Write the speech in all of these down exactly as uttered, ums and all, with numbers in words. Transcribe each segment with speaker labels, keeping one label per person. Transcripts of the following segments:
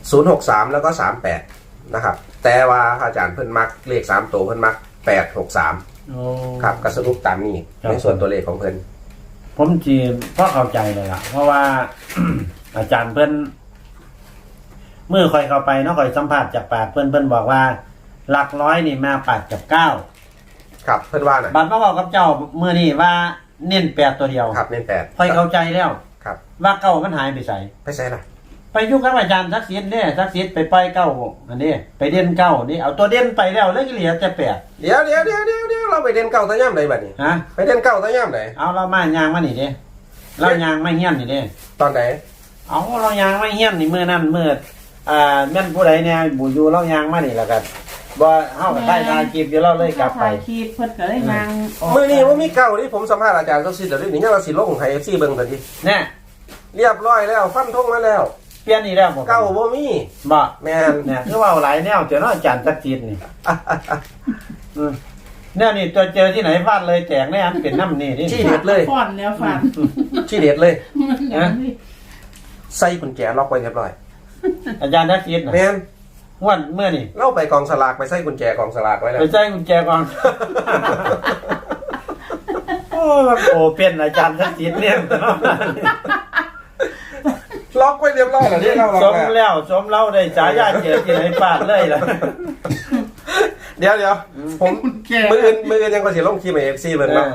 Speaker 1: ศูนย์หกสามแล้วก็สามแปดนะครับแต่ว่าอาจารย์เพิ่นมักเลขสามตัวเพิ่นมักแปดหกสามครับก็สรุปตามนี้ในส่วนตัวเลขของเพิ่น
Speaker 2: ผมจีก็เข้าใจเลยล่ะเพราะว่า อาจารย์เพิ่นเมื่อคอยเข้าไปเนาะคอยสัมผัสจากปากเพิ่นเพิ่นบอกว่าหลักร้อยนี่มาแปดกับเก้า
Speaker 1: ครับเพิ่นว่าน่ะ
Speaker 2: บัดมาบอกกับเจ้าเมื่อนี่ว่าเน้นแปดตัวเดียว
Speaker 1: ครับเน้นแปด
Speaker 2: คอยเข้าใจแล้ว
Speaker 1: ครับ
Speaker 2: ว่าเก้ามันหายไปใส่
Speaker 1: ไปใส่ล่ะ
Speaker 2: ไปยุคกับอาจารย์ทักษิณเนี่ยทักษิณไปปล่อยเก้าอันนี้ไปเด่นเก้านี่เอาตัวเด่นไปแล้วเลยเหลือจะแปด
Speaker 1: เดี๋ยวเดี๋ยวเดี๋ยวเดี๋ยวเดี๋ยวเราไปเด่นเก้าตะย่ำไหนบัดนี้
Speaker 2: ฮะ
Speaker 1: ไปเด่นเก้าตะย่ำไหน
Speaker 2: เอาเรามายางมานี่เด้เรายางไม่เฮี้ยนนี่เด้
Speaker 1: ตอนไหน
Speaker 2: เอาเรายางไม่เฮี้ยนนี่เมื่อนั้นเมื่ออ่าแม่นผู้ใดเนี่ยบูยูเรายางมานี่แล้วกันบ่เฮาก็ได้ทายคลิปอยู่เราเลยกลับไป
Speaker 3: คลิปเพิ่นก็เลยนาง
Speaker 1: มื้อนี้บ่มีเก้าที่ผมสัมภาษณ์อาจารย์ก็สิเดี๋ยวนี้ยังว่าสิลงให้ เอฟ ซี เบิ่งซั่นดิ
Speaker 2: แน่
Speaker 1: เรียบร้อยแล้วฟันธงมาแล้ว
Speaker 2: เปลี่ยนอีกแล้วบ่
Speaker 1: เก้าบ่มี
Speaker 2: บ่
Speaker 1: แม่น
Speaker 2: เนี่ยคือว่าหลายแนวเจอเนาะอาจารย์ทักษิณนี่อือแนวนี่ตัวเจอที่ไหนฟาดเลยแตกแน่อันเป็นน้ำนี่นี่
Speaker 1: ชี้เด็ดเลย
Speaker 3: ฟ้อนแล้วฟัน
Speaker 1: ชี้เด็ดเลยนะใส่กุญแจล็อกไว้เรียบร้อย
Speaker 2: อาจารย์ทักษิณน่ะ
Speaker 1: แม่น
Speaker 2: วันเมื่อนี่
Speaker 1: เล่าไปกองสลากไปใส่กุญแจกองสลากไว้แล้ว
Speaker 2: ไปใส่กุญแจกองโอ้โหเป็นอาจารย์ทักษิณเนี่ย
Speaker 1: ล็อกไว้เรียบร้อยแล้วนี่เรา
Speaker 2: สมแล้วสมเล่าได้ฉายาเจอที่ไหนฟาดเลยล่ะ
Speaker 1: เดี๋ยวเดี๋ยวผมมืออื่นมืออื่นยังก็สิลงคลิปให้ เอฟ ซี เบิ่งเนาะ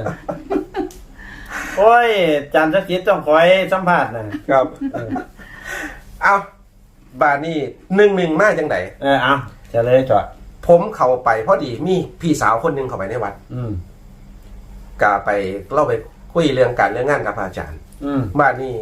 Speaker 2: โอ้ยอาจารย์ทักษิณต้องคอยสัมภาษณ์นะครับ
Speaker 1: เอาบานี่หนึ่งหนึ่งมาจังได
Speaker 2: เออเอาจะเลยจอด
Speaker 1: ผมเข้าไปพอดีมีพี่สาวคนหนึ่งเข้าไปในวัด
Speaker 2: อืม
Speaker 1: ก็ไปเล่าไปคุยเรื่องการเรื่องงานกับอาจารย์
Speaker 2: อืม
Speaker 1: บานี่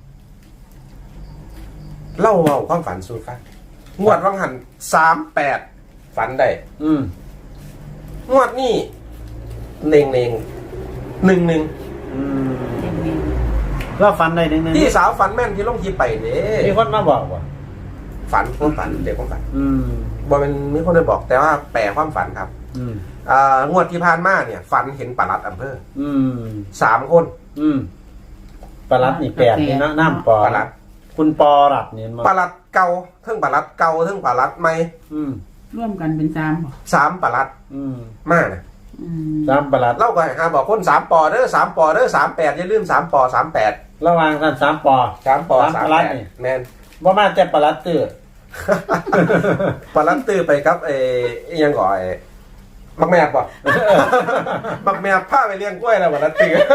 Speaker 1: เล่าเอาความฝันสู่ฟังงวดวังหันสามแปดฝันได้
Speaker 2: อืม
Speaker 1: งวดนี่เน่งเน่งหนึ่งหนึ่ง
Speaker 2: อืมเราฝันได้หนึ่งหนึ่ง
Speaker 1: พี่สาวฝันแม่นที่ลงทีไปเด้
Speaker 2: มีคนมาบอกว่า
Speaker 1: ฝันความฝันเด็กความฝัน
Speaker 2: อืม
Speaker 1: บ่เป็นมีคนได้บอกแต่ว่าแปลความฝันครับ
Speaker 2: อืม
Speaker 1: อ่างวดที่ผ่านมาเนี่ยฝันเห็นปลัดอำเภอ
Speaker 2: อืม
Speaker 1: สามคน
Speaker 2: อืมปลัดนี่แปดนี่นะน้ำปอ
Speaker 1: ปลัด
Speaker 2: คุณปอรัดเนี่ย
Speaker 1: ปลัดเก่าเทั้งปลัดเก่าเทั้งปลัดใหม่
Speaker 2: อืม
Speaker 3: ร่วมกันเป็นสาม
Speaker 1: สามปลัด
Speaker 2: อืม
Speaker 1: มาน่ะ
Speaker 2: สามปลัด
Speaker 1: เล่าก็หาบอกคนสามปอเด้อสามปอเด้อสามแปดอย่าลืมสามปอสามแปด
Speaker 2: ระหว่างกันสามปอ
Speaker 1: สามปอสามแปดแมน
Speaker 2: บ่มาแต่ปลัดตื้อ
Speaker 1: ปลัดตื้อไปครับเอ้ยังก่อยบักแมบป่ะบักแมบผ้าไปเลี้ยงกล้วยแล้วปลัดตื้อ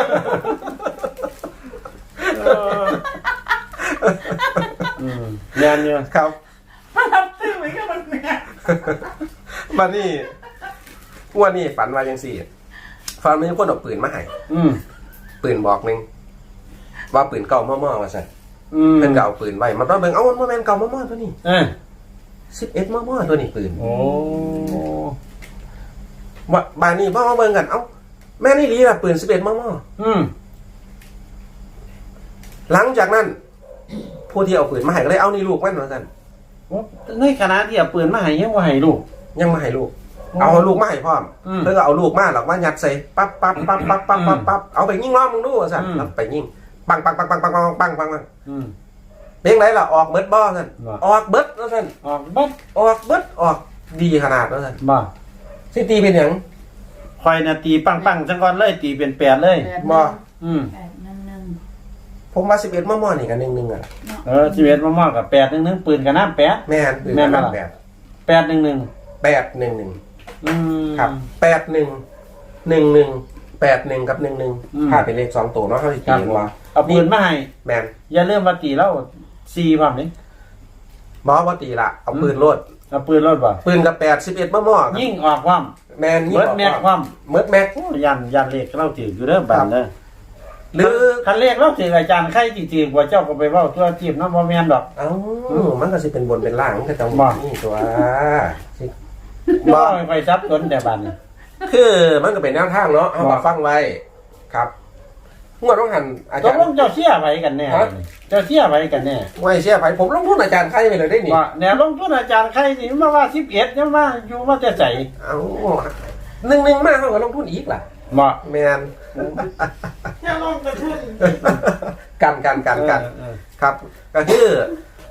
Speaker 2: งานอยู่
Speaker 1: ครับ
Speaker 3: ปลัดตื้อไปก็บักแมบ
Speaker 1: มานี่วันนี้ฝันว่ายังสี่ฝันมีคนเอาปืนมาให้ปืนบอกหนึ่งว่าปืนเก่าม่อๆมาใส่เพิ่นก็เอาปืนไว้มันต้องเบิ่งเอามันแม่นเก่าม่อๆตัวนี้
Speaker 2: เออ
Speaker 1: สิบเอ็ดม่อๆตัวนี้ปืน
Speaker 2: โอ้
Speaker 1: ว่าบ้านนี้พ่อมาเบิ่งกันเอ้าแม่นี่ลีล่ะปืนสิบเอ็ดม่อ
Speaker 2: ๆอืม
Speaker 1: หลังจากนั้นผู้ที่เอาปืนมาให้ก็เลยเอานี่ลูกมันว่าซั่น
Speaker 2: ในขณะที่เอาปืนมาให้ยังบ่ให้ลูก
Speaker 1: ยังมาให้ลูกเอาลูกมาให้พร้อมเพิ่นก็เอาลูกมาหรอกว่ายัดใส่ปั๊บปั๊บปั๊บปั๊บปั๊บปั๊บปั๊บเอาไปยิงล้อมึงดูว่าซั่นแล้วไปยิงปังปังปังปังปังปังปังปังปังเพลงไหนล่ะออกเบิดบ่ซั่นออกเบิดว่าซั่น
Speaker 2: ออกเบิด
Speaker 1: ออกเบิดออกดีขนาดว่าซั่น
Speaker 2: บ่
Speaker 1: สิตีเป็นหยัง
Speaker 2: คอยน่ะตีปังปังจังก่อนเลยตีเป็นแปดเลย
Speaker 1: บ่
Speaker 2: อืม
Speaker 1: ผมว่าสิบเอ็ดมอๆนี่ก็หนึ่งหนึ่งอ่ะ
Speaker 2: เออสิบเอ็ดมอๆกับแปดหนึ่งหนึ่งปืนกับน้ำแปด
Speaker 1: แม่นปืนกับน้ำแปด
Speaker 2: แปดหนึ่งหนึ่ง
Speaker 1: แปดหนึ่งหนึ่งครับแปดหนึ่งหนึ่งหนึ่งแปดหนึ่งกับหนึ่งหนึ่งถ้าเป็นเลขสองตัวเนาะเขาสิตีว่า
Speaker 2: เอาปืนมาให้
Speaker 1: แม่น
Speaker 2: อย่าเริ่มมาตีแล้วสี่ความนี้
Speaker 1: บ่ว่าตีละเอาปืนโลด
Speaker 2: เอาปืนโลดบ่
Speaker 1: ปืนกับแปดสิบเอ็ดมอๆ
Speaker 2: ยิ่งออกความ
Speaker 1: แม่นยิ่งออก
Speaker 2: แม็กความ
Speaker 1: เมิดแม็ก
Speaker 2: ยันยันเลขเราถืออยู่เด้อบัดเด้อ
Speaker 1: หรือ
Speaker 2: คันเลขเราถืออาจารย์ใครจริงๆกว่าเจ้าก็ไปเว้าตัวจีบเนาะบ่แม่นดอก
Speaker 1: เอ้ามันก็สิเป็นบนเป็นล่างมันก็ต้องนี่ตัว
Speaker 2: บ่ค่อยซับซ้อนแต่บัดนี้
Speaker 1: คือมันก็เป็นแนวทางเนาะเอามาฟังไว้ครับงวดต้องหันอาจารย์
Speaker 2: ต้องเจ้าเชี่ยไว้กันแน่เจ้าเชี่ยไว้กันแน่
Speaker 1: ไม่เชี่ยไผผมลงทุนอาจารย์ใครไปเลยได้นี่
Speaker 2: ว่าแนวลงทุนอาจารย์ใครสิมาว่าสิบเอ็ดยังมาอยู่มาจะใจ
Speaker 1: เอ้าหนึ่งหนึ่งมาเฮาก็ลงทุนอีกล่ะ
Speaker 2: บ่
Speaker 1: แม่น
Speaker 3: อย่าลงกระทุน
Speaker 1: กันกันกันกันครับก็คือ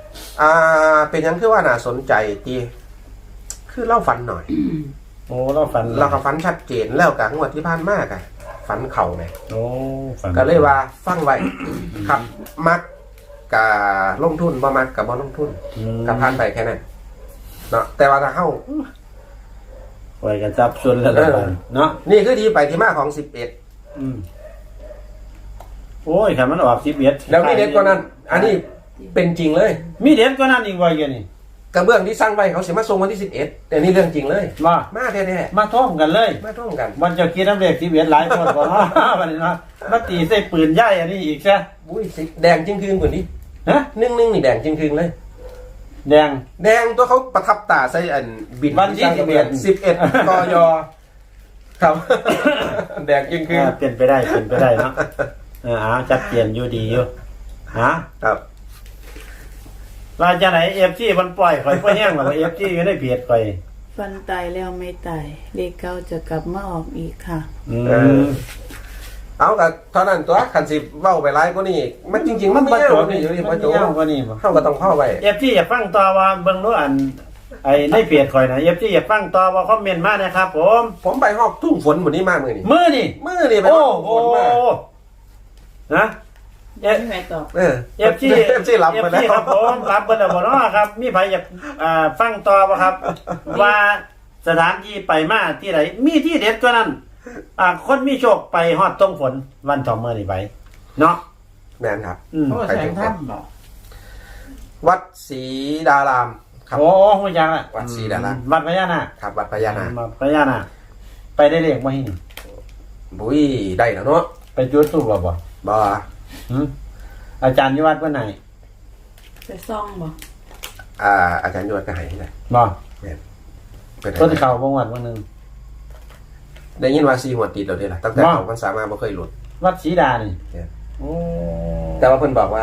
Speaker 1: อ่าเป็นหยังคือว่าน่าสนใจตีคือเล่าฝันหน่อย
Speaker 2: โอ้เราฝัน
Speaker 1: เราก็ฝันชัดเจนแล้วกับงวดที่ผ่านมากอะฝันเข่าไง
Speaker 2: โอ้ฝัน
Speaker 1: ก็เลยว่าฟังไว้ ครับมักกับลงทุนบ่มักกับบ่ลงทุน
Speaker 2: อืม
Speaker 1: กับผ่านไปแค่นั้นเนาะแต่ว่าถ้าเข้า
Speaker 2: ไว้กันจับส่วนแล้วกันเนาะ
Speaker 1: นี่คือที่ไปที่มาของสิบเอ็ด
Speaker 2: อืมโอ้ยคันมันออกสิบเอ็ด
Speaker 1: แล้วมีเด็ดกว่านั้น อันนี้เป็นจริงเลย
Speaker 2: มีเด็ดกว่านั้นอีกว่าอย่างนี้
Speaker 1: กระเบื้องที่สร้างไว้เขาเสียมาส่งวันที่สิบเอ็ดแต่นี่เรื่องจริงเลย
Speaker 2: ว่า
Speaker 1: มาแท้
Speaker 2: มาท่องกันเลย
Speaker 1: ๆมาท่องกัน
Speaker 2: มันจะคิดน้ำเด็กสิบเอ็ดหลายคนบอกว่า วันนี้นะมาตีใส่ปืนใหญ่อันนี้อีกใช่
Speaker 1: อุ้ยสิแดงจริงคืนกว่านี้
Speaker 2: ฮะ
Speaker 1: นึ่งนึ่งนี่แดงจริงคืนเลย
Speaker 2: แดง
Speaker 1: แดงตัวเขาประทับตาใส่อันบิน
Speaker 2: วันที่
Speaker 1: สิบเอ็ดสิบเอ็ดกยครับ แดงจริงคืน
Speaker 2: อ่าเปลี่ยนไปได้เปลี่ยนไปได้เนาะเออเอาจัดเปลี่ยนอยู่ดีอยู่ฮะ
Speaker 1: ครับ
Speaker 2: เราจะไหนเอฟซีมันปล่อยข่อยก็แห้งกว่าเอฟซีก็ได้เพียดข่อย
Speaker 4: ฟันตายแล้วไม่ตายเลขเก้าจะกลับมาออกอีกค่ะ
Speaker 2: อื
Speaker 1: เออ
Speaker 2: ม
Speaker 1: เอากับเท่านั้นตัวขันสิเว้าไปไล่ก็นี่มันจริง ๆ มันไม่
Speaker 2: ประ
Speaker 1: ยา
Speaker 2: จ
Speaker 1: ว
Speaker 2: บ
Speaker 1: นี่
Speaker 2: นี่
Speaker 1: อยู่ที่
Speaker 2: มั
Speaker 1: ป
Speaker 2: น
Speaker 1: ระจบ
Speaker 2: ยาวกว่านี่บ่
Speaker 1: เข้าก็ต้องเข้าไป
Speaker 2: เอฟซีอยากฟังต่อว่าเบิ่งรู้อันไอ้ในเพียดข่อยนะเอฟซีอยากฟังต่อว่าคอมเมนต์มานะครับผม
Speaker 1: ผมไปหอกทุ่งฝนหมดนี้มากมือนี่
Speaker 2: มือนี่
Speaker 1: มือนี่ไปห
Speaker 2: โอ้
Speaker 1: อก
Speaker 2: โห
Speaker 1: ทุ่งฝนมา
Speaker 2: นะเอฟ
Speaker 3: ไม่ไหวตอบ
Speaker 1: เออ
Speaker 2: เอฟซี
Speaker 1: เอฟซีรับไปแล้ว
Speaker 2: ครับผมรับไปแล้วบ่เนาะครับ มีใครอยากอ่าฟังต่อบ่ครับ ว่าสถานที่ไปมาที่ไหนมีที่เด็ดกว่านั้น อ่าคนมีโชคไปฮอดตรงฝนวันสองมื้อนี่ไปเนาะ
Speaker 1: แม่นครับ
Speaker 2: อืม
Speaker 3: เพราะว่าแสงถ้ำบอก
Speaker 1: วัดศรีดารามครับ
Speaker 2: โอ้โหจังอ่ะ
Speaker 1: วัดศรีดารา
Speaker 2: วัดพญานาค
Speaker 1: ครับวัดพญานาค
Speaker 2: วัดพญานาคไปได้เลขบ่ให้นี่
Speaker 1: บุ้ยได้แล้วเนาะ
Speaker 2: ไปจุดธูปบ่บ่
Speaker 1: บ่
Speaker 2: หึอาจารย์อยู่วัดเพิ่นไหน
Speaker 4: ไปซ่องบอก
Speaker 1: อ่าอาจารย์ยวดก็ให้ได้
Speaker 2: บ่
Speaker 1: เป็น
Speaker 2: ต้น
Speaker 1: ไง
Speaker 2: เข้าบ่งวัดบ่นึง
Speaker 1: ได้ยินว่าซีหัวติดเราเด้ล่ะตั้งแต่
Speaker 2: ว่า
Speaker 1: เขาพรรษามาบ่เคยหลุด
Speaker 2: วัดศรีดานี่
Speaker 1: เนี่ย
Speaker 2: โอ้
Speaker 1: แต่ว่าเพิ่นบอกว่า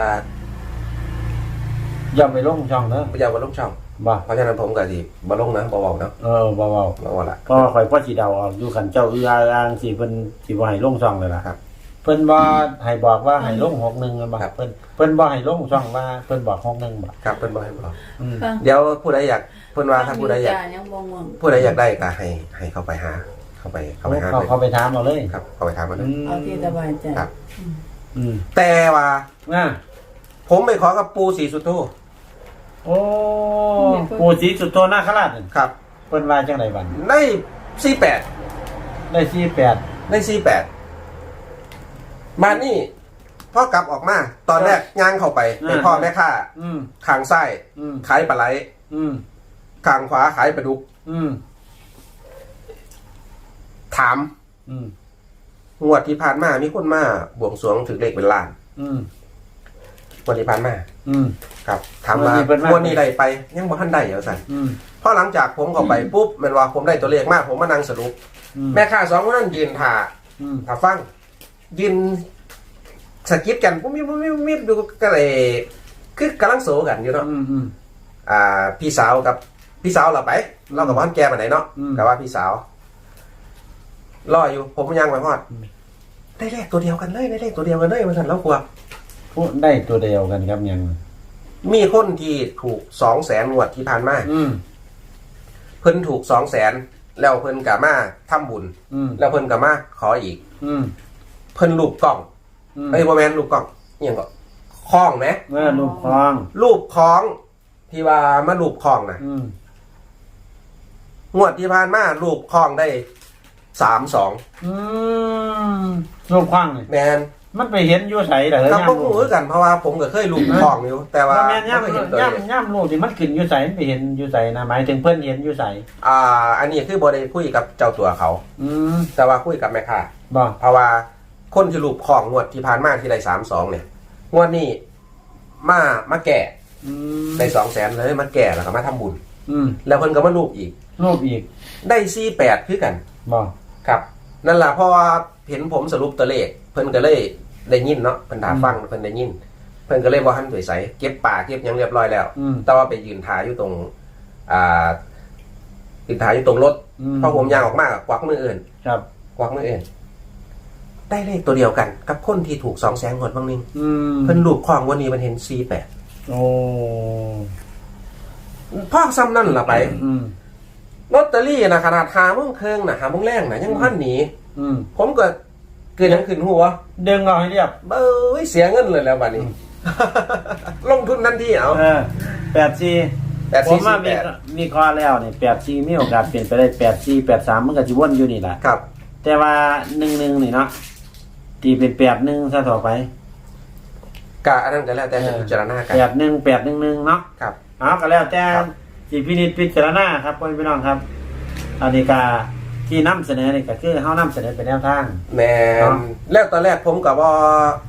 Speaker 2: อย่าไปลงช่องเด้อ
Speaker 1: อย่าบ่ลงช่อง
Speaker 2: บ่
Speaker 1: เพราะฉะนั้นผมก็สิบ่ลงนะบ่เว้าเนาะ
Speaker 2: เออบ่เว้า
Speaker 1: บ่เว้าละ
Speaker 2: ก็ข่อยพ่อสิเดาออกอยู่คันเจ้าอืออาอ้างสิเพิ่นสิบ่ให้ลงช่องเลยล่ะ
Speaker 1: ครับ
Speaker 2: เพิ่นบ่ให้บอกว่าให้ลงหกหนึ่งบ่
Speaker 1: ครับ
Speaker 2: เพิ่นเพิ่นบ่ให้ลงช่องว่าเพิ่นบอกหกหนึ่งบ่
Speaker 1: ครับเพิ่นบ่ให้บอก
Speaker 2: อืม
Speaker 4: ฟัง
Speaker 1: เดี๋ยวผู้ใดอยากเพิ่นว่าถ้าผู้ใดอยาก
Speaker 4: ฟังยังบ่ง่วง
Speaker 1: ผู้ใดอยากได้ก็ให้ให้เข้าไปหา เข้าไปเข้าไปหา
Speaker 2: เขา
Speaker 1: เลย
Speaker 2: เขาไปถามเอาเลย
Speaker 1: ครับเข้าไปถามมันเลย
Speaker 4: เอาที่สบายใจ
Speaker 1: ครับ
Speaker 2: อืม
Speaker 1: แต่ว่า
Speaker 2: อ่า
Speaker 1: ผมไปขอกับปูศรีสุโธ
Speaker 2: โอ้ปู่ศรีสุโธนาคราชนั่น
Speaker 1: ครับ
Speaker 2: เพิ่นว่าจังไดบัด
Speaker 1: ได้สี่แปด
Speaker 2: ได้สี่แปด
Speaker 1: ได้สี่แปดมานี่พ่อกลับออกมา ตอนแรกย่างเข้าไปไปพ่อแม่ค้า
Speaker 2: อืม
Speaker 1: ขางซ้าย
Speaker 2: อืม
Speaker 1: ขายปลาไหล
Speaker 2: อืม
Speaker 1: ขางขวาขายปลาดุก
Speaker 2: อืม
Speaker 1: ถาม
Speaker 2: อืม
Speaker 1: งวดที่ผ่านมามีคนมาบวงสรวงถึงเลขเป็นล้าน
Speaker 2: อืม
Speaker 1: งวดที่ผ่านมา
Speaker 2: อืม
Speaker 1: ครับถามว่าง
Speaker 2: วดนี้เพิ่นมา
Speaker 1: งวดนี้ได้ไป ยังบ่ทันได้เอาสั่น
Speaker 2: อืม
Speaker 1: พอหลังจากผมเข้าไปปุ๊บแมันว่าผมได้ตัวเลขมากผมมานั่งสรุป
Speaker 2: อืม
Speaker 1: แม่ค้าสองคนนั้นยืนถ่า
Speaker 2: อืม
Speaker 1: ถ่าฟังยืนสกิปกันปุ๊บมิบปุ๊บมิบปุ๊บมิบดูก็เลยคือกำลังโซกันอยู่เนาะ
Speaker 2: อืมอืม
Speaker 1: อ่า พี่สาวกับพี่สาวเราไป เรากับพ่อแกมาไหนเนาะ
Speaker 2: อืม
Speaker 1: กับว่าพี่สาวรออยู่ ผมยังไปพอดได้เลขตัวเดียวกันเลยได้เลขตัวเดียวกันเลยมาสั่นแล้วกลัว
Speaker 2: พูดได้ตัวเดียวกันครับยัง
Speaker 1: มีคนที่ถูกสองแสนงวดที่ผ่านมา
Speaker 2: อืม
Speaker 1: เพิ่นถูกสองแสนแล้วเพิ่นกะมาทำบุญ
Speaker 2: อืม
Speaker 1: แล้วเพิ่นกะมาขออีก
Speaker 2: อืม
Speaker 1: เพิ่นรูปกล้อง
Speaker 2: อืม
Speaker 1: เอ้ยบ่แม่นรูปกล้องอิหยังก็คล้องไหม
Speaker 2: เออลูกคลอง
Speaker 1: รูปคล้องที่ว่ามารูปคล้องน่ะ
Speaker 2: อืม
Speaker 1: งวดที่ผ่านมารูปคล้องได้สามสอง
Speaker 2: อืมลูกคลองนี่
Speaker 1: แมน
Speaker 2: มันไปเห็นอยู่ไสเหรอ
Speaker 1: ก็
Speaker 2: ย่าม
Speaker 1: บ่
Speaker 2: ลู
Speaker 1: รู้
Speaker 2: ก
Speaker 1: คือกันเพราะว่าผมก็เคยรูปคล้องอยู่ แต่ว่า
Speaker 2: ว่าแม่นย่าม
Speaker 1: บ่เคยเห็นตัวเลข
Speaker 2: ย่ามย่ามลูกที่มันขึ้นอยู่ไสมันไปเห็นอยู่ไสนะหมายถึงเพิ่นเห็นอยู่ไส
Speaker 1: อ่า อันนี้คือบ่ได้คุยกับเจ้าตัวเขา
Speaker 2: อืม
Speaker 1: แต่ว่าคุยกับแม่ค้า
Speaker 2: บ่
Speaker 1: เพราะว่าคนที่รูปคล้องงวดที่ผ่านมาที่ได้สามสองเนี่ยงวดนี้มามาแก่
Speaker 2: อืม
Speaker 1: ได้สองแสนเลยมาแก่แล้วก็มาทำบุญ
Speaker 2: อืม
Speaker 1: แล้วเพิ่นก็มารูปอีก
Speaker 2: รูปอีก
Speaker 1: ได้สี่แปดคือกัน
Speaker 2: บ่
Speaker 1: ครับ นั่นแหละเพราะว่าเห็นผมสรุปตัวเลข เพิ่นก็เลยได้ยินเนาะเพิ่นถาฟังเพิ่นได้ยิน เพิ่นก็เลยบ่ทันสวยใสเก็บป่าเก็บหยังเรียบร้อยแล้ว
Speaker 2: อืม
Speaker 1: แต่ว่าไปยืนทาอยู่ตรง อ่ายืนทาอยู่ตรงรถ
Speaker 2: อืม
Speaker 1: พอผมย่างออกมาก็กวักมืออื่น
Speaker 2: ครับ
Speaker 1: กวักมืออื่นได้เลขตัวเดียวกัน กับคนที่ถูกสองแสนงวดบางนึง
Speaker 2: อืม
Speaker 1: เพิ่นรูปคล้องวันนี้มันเห็นสี่แปด
Speaker 2: โอ้
Speaker 1: พ่อซ้ำนั่นล่ะไป
Speaker 2: อืม
Speaker 1: ลอตเตอรี่นะขนาดหาโมงครึ่งนะหาโมงแรงนะยังพันหนี
Speaker 2: อืม
Speaker 1: ผมก็เกิดหยังขึ้นหัว
Speaker 2: ดึงเอาให้เรียบ
Speaker 1: เบ้ยเสียเงินเลยแล้วบัดนี้ ลงทุนทันทีเอา
Speaker 2: เออแปดสี่
Speaker 1: แปด
Speaker 2: ผ
Speaker 1: สี่
Speaker 2: มว่า
Speaker 1: สี่
Speaker 2: มี
Speaker 1: แปด
Speaker 2: มีข้อแล้วนี่แปดสี่มีโอกาสเปลี่ยนไปได้แปดสี่แปดสามมันก็จะวนอยู่นี่แหละ
Speaker 1: ครับ
Speaker 2: แต่ว่าหนึ่งหนึ่งนี่เนาะตีเป็นแปดหนึ่งซะต่อไป
Speaker 1: กะอันนั้นก็แล้วแต่จะพิจารณากัน
Speaker 2: แปดหนึ่งแปดหนึ่งหนึ่งเนาะ
Speaker 1: ครับ
Speaker 2: เอาก็แล้วแต่
Speaker 1: ครับ
Speaker 2: จีพินิจพิจารณาครับพ่อพี่น้องครับอันนี้ก็ที่นำเสนอนี่ก็คือเฮานำเสนอเป็นแนวทาง
Speaker 1: แม
Speaker 2: เนาะ
Speaker 1: นแล้วตอนแรกผมกับว่า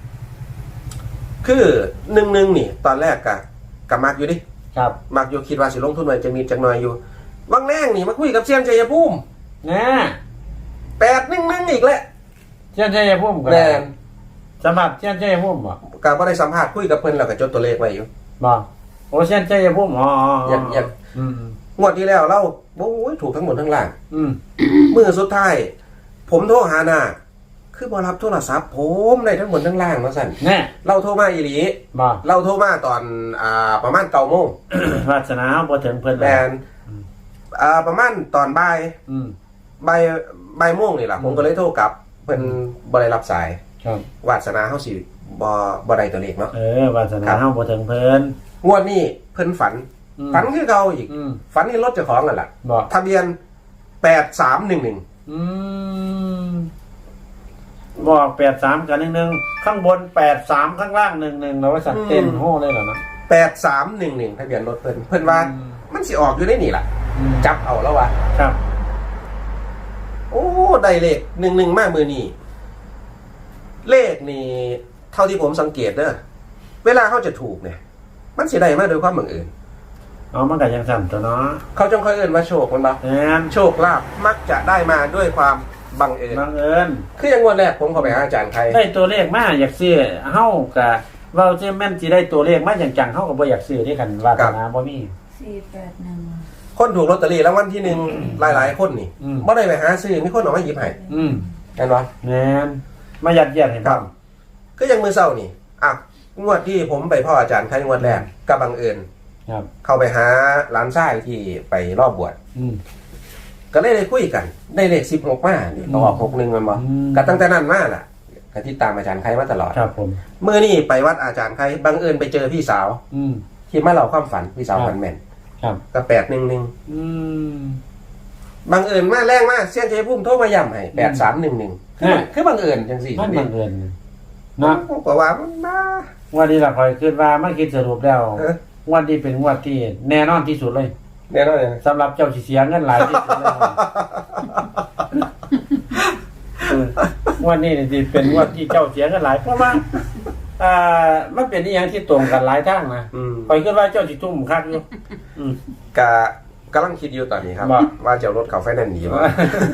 Speaker 1: คือหนึ่งหนึ่งนี่ ตอนแรกกะกะมักอยู่ดิ
Speaker 2: ครับ
Speaker 1: มักอยู่คิดว่าสิลงทุนไว้จะมีจักหน่อยอยู่วังแรงนี่มาคุยกับเซียนชัยภูมิ
Speaker 2: นะ
Speaker 1: แปดหนึ่งหนึ่งอีกแล้ว
Speaker 2: เช่นชัยภูมิก็
Speaker 1: แม
Speaker 2: ได้
Speaker 1: น
Speaker 2: สำหรับเช่นชัยภูมิบ่
Speaker 1: กะบ่ได้สัมภาษณ์คุยกับเพิ่นแล้วก็จดตัวเลขไว้อยู่
Speaker 2: บ่โอ้เช่นชัยภูมิอ๋ออ๋ออ๋อ
Speaker 1: อยากอยาก
Speaker 2: อืม
Speaker 1: งวดที่แล้วเราโอ้ยถูกทั้งหมดทั้งล่าง
Speaker 2: อืม
Speaker 1: มือสุดท้าย ผมโทรหาหน้าคือบอรับโทรศัพท์ผมได้ทั้งหมดทั้งล่างมาสั่น
Speaker 2: แน่
Speaker 1: เราโทรมาอีหลี
Speaker 2: บ่
Speaker 1: เราโทรมาตอนอ่าประมาณเก้าโมง
Speaker 2: วาสนาบ่ถึงเพิ่น
Speaker 1: แมนอ่าประมาณตอนบ่าย
Speaker 2: อืม
Speaker 1: บ่ายบ่ายโมงนี่แหละผมก็เลยโทรกลับเพิ่นบ่ได้รับสาย
Speaker 2: ครับ
Speaker 1: วาสนาเฮาสิบ่บ่ได้ตัวเลขเนาะ
Speaker 2: เออวาสนา
Speaker 1: ครับ
Speaker 2: เฮาบ่ถึงเพิ่น
Speaker 1: งวดนี้เพิ่นฝัน
Speaker 2: อืม
Speaker 1: ฝันคือเก่าอีก
Speaker 2: อืม
Speaker 1: ฝันเห็นรถเจ้าของนั่นแหละ
Speaker 2: บ่
Speaker 1: ทะเบียนแปดสามหนึ่งหนึ่ง
Speaker 2: อืมบอกแปดสามกับหนึ่งหนึ่งข้างบนแปดสามข้างล่างหนึ่งหนึ่งเราว่าสัตว์เต้นโห่เลยเหรอนะ
Speaker 1: แปดสามหนึ่งหนึ่งทะเบียนรถเพิ่นเพิ่นว่า
Speaker 2: อืม
Speaker 1: มันสิออกอยู่ในนี่ล่ะ
Speaker 2: อืม
Speaker 1: จับเอาแล้ววะ
Speaker 2: ครับ
Speaker 1: โอ้ได้เลขหนึ่งหนึ่งมากมือนี่เลขนี่เท่าที่ผมสังเกตเด้อเวลาเขาจะถูกเนี่ย มันสิได้มาโดยความบังเอิญ
Speaker 2: เอามันกับยังสั่นตัวเนาะ
Speaker 1: เขาจงค่อยเอิญว่าโชคมันปะ
Speaker 2: แอน
Speaker 1: โชคลาภมักจะได้มาด้วยความบังเอิญ
Speaker 2: บังเอิญ
Speaker 1: คืออย่างงวดแรกผมเข้าไปหาอาจารย์ใคร
Speaker 2: ได้ตัวเลขมาอยากซื้อเฮากะเว้าซื่อแม่นสิได้ตัวเลขมาจังๆเฮาก็บ่อยากซื้อที่กันวาสนาบ่มี
Speaker 4: สี่แปดหนึ่ง
Speaker 1: คนถูกลอตเตอรี่รางวัลที่หนึ่งหลายๆคนนี่
Speaker 2: อืม
Speaker 1: ไม่ได้ไปหาซื้อมีคนออกมาหยิบให้
Speaker 2: อืม
Speaker 1: เห็นปะ
Speaker 2: แม่นมายัดเยียดให้
Speaker 1: ค
Speaker 2: บ่
Speaker 1: รับก็ยังมือเศร้านี่อ่ะงวดที่ผมไปพ่ออาจารย์ใครงวดแรกก็บังเอิญ
Speaker 2: ครับ
Speaker 1: เข้าไปหาร้านชายที่ไปรอบบวช
Speaker 2: อืม
Speaker 1: ก็เลยได้คุยกัน ได้เลขสิบหกมานี่ก็ออกหกหนึ่งมันบ่
Speaker 2: อืม
Speaker 1: ก็ตั้งแต่นั้นมาล่ะก็ติดตามอาจารย์ใครมาตลอด
Speaker 2: ครับผม
Speaker 1: เมื่อนี่ไปวัดอาจารย์ใครบังเอิญไปเจอพี่สาว
Speaker 2: อืม
Speaker 1: ที่มาเล่าความฝันพี่สาว
Speaker 2: ครับ
Speaker 1: ฝันแม่น
Speaker 2: ครับ
Speaker 1: ก็แปดหนึ่งหนึ่ง
Speaker 2: อืม
Speaker 1: บังเอิญมาแรงมากเสี้ยนเจพุ่มโทรมาย้ำให้แปดสามหนึ่งหนึ่งคือมัน
Speaker 2: อ่า
Speaker 1: คือบังเอิญจังสี่
Speaker 2: มันบังเอิญ
Speaker 1: เนาะ
Speaker 2: เนาะ
Speaker 1: ผมก็ว่ามันมา
Speaker 2: วันนี้เราคอยคิดว่าไม่คิดสรุปแล้ว
Speaker 1: เออ
Speaker 2: งวันนี้เป็นงวดที่แน่นอนที่สุดเลย
Speaker 1: แน่นอนเลย
Speaker 2: สำหรับเจ้าสิเสียเงินหลายที่สุดแล้วเอองวันนี้นี่สิเป็นงวดที่เจ้าเสียเงินหลายเพราะว่าอ่ามันเป็นนิอย่างที่ตรงกันหลายทางนะ
Speaker 1: อืม
Speaker 2: คอยคิดว่าเจ้าสิทุ่มคักอยู่อืม
Speaker 1: กะกำลังคิดอยู่ตอนนี้ครับ
Speaker 2: ว่า
Speaker 1: ว่าจะเอารถเขาไฟแนนซ์หนีมา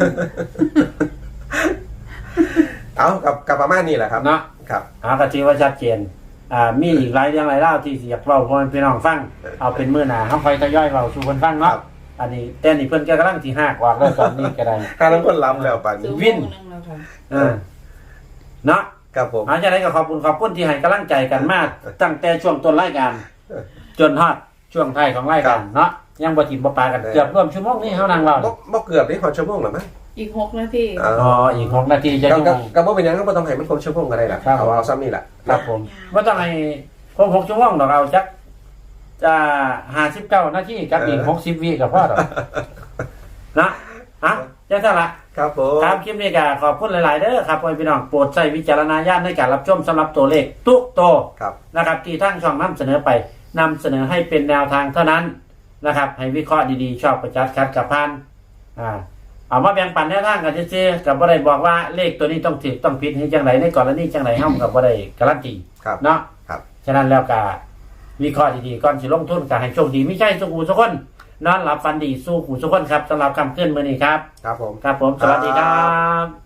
Speaker 1: เอากับกับประมาณนี้แหละครับ
Speaker 2: เนาะ
Speaker 1: ครับ
Speaker 2: หากะทิว่าชัดเจนอ่ามีอีกหลายเรื่องหลายเล่าวที่สิอยากเล่าพ่อแม่พี่น้องฟังเอาเป็นมื้อหน้าเฮาค่อยทยอยเล่าสู่เพิ่นฟัง
Speaker 1: ครั
Speaker 2: เนาะ
Speaker 1: บ
Speaker 2: อันนี้แต่นี่เพิ่นก็กำลังสิหากว่าแล้วตอนนี้ก็ได้
Speaker 1: ถ้าทั้งคนรับแล้วป่านนี้
Speaker 2: วิน
Speaker 4: นึงแล้วค่ะ
Speaker 2: เออเนาะ
Speaker 1: ครับผม
Speaker 2: อาจารย์ก็ขอบคุณขอบคุณที่ให้กำลังใจกันมากตั้งแต่ช่วงต้นรายการ จนฮอดช่วงท้ายของรายการเนาะยังบ่ถิ่มบ่ปากันเกือบร่วมชั่วโมงนี้เฮานั่งเว้า
Speaker 1: บ่บ่เกือบได้ขอชั่วโมงหรือมั้ง
Speaker 4: อีกหกนาที
Speaker 1: อ๋
Speaker 2: อ๋ออีกหกนาทีจะ
Speaker 1: ก็
Speaker 2: ชั่วโม
Speaker 1: ก็
Speaker 2: ง
Speaker 1: ก็บ่เป็นหยังก็บ่ต้องให้มันครบชั่วโมงก็ได้ล่ะ
Speaker 2: ครับ
Speaker 1: เอาเอาซ้ำนี่แหละ
Speaker 2: ครับผมบ่ต้องให้ครบหกชั่วโมงดอกเอาจักจะห้าสิบเก้านาทีกับอีกหกสิบวิก็พอดอกนะฮะจังซั่นล่ะ
Speaker 1: ครับผม
Speaker 2: ครับคลิปนี้ก็ขอบคุณหลาย ๆ เด้อครับพ่อแม่พี่น้องโปรดใช้วิจารณญาณในการรับชมสำหรับตัวเลขทุกตัว
Speaker 1: ครับ
Speaker 2: นะครับที่ทางช่องนำเสนอไปนำเสนอให้เป็นแนวทางเท่านั้นนะครับ ให้วิเคราะห์ดี ๆ ชอบประจัดคัดกับพันอ่าเอามาแบ่งปันแนวทางกันซื่อๆกับบ่ได้บอกว่าเลขตัวนี้ต้องถูกต้องผิดให้จังไรในกรณีจังไรเฮากับบ่ได้การันตี
Speaker 1: ครับ
Speaker 2: เนาะ
Speaker 1: ครับ
Speaker 2: ฉะนั้นแล้วก็วิเคราะห์ดีๆก่อนสิลงทุนก็ให้โชคดีไม่ใช่สุขูทุกคนนอนหลับฝันดีสู้ขู่ทุกคนครับสำหรับคำขึ้นมื้อนี้ครับ
Speaker 1: ครับผม
Speaker 2: ครับผมสวัสดีครับ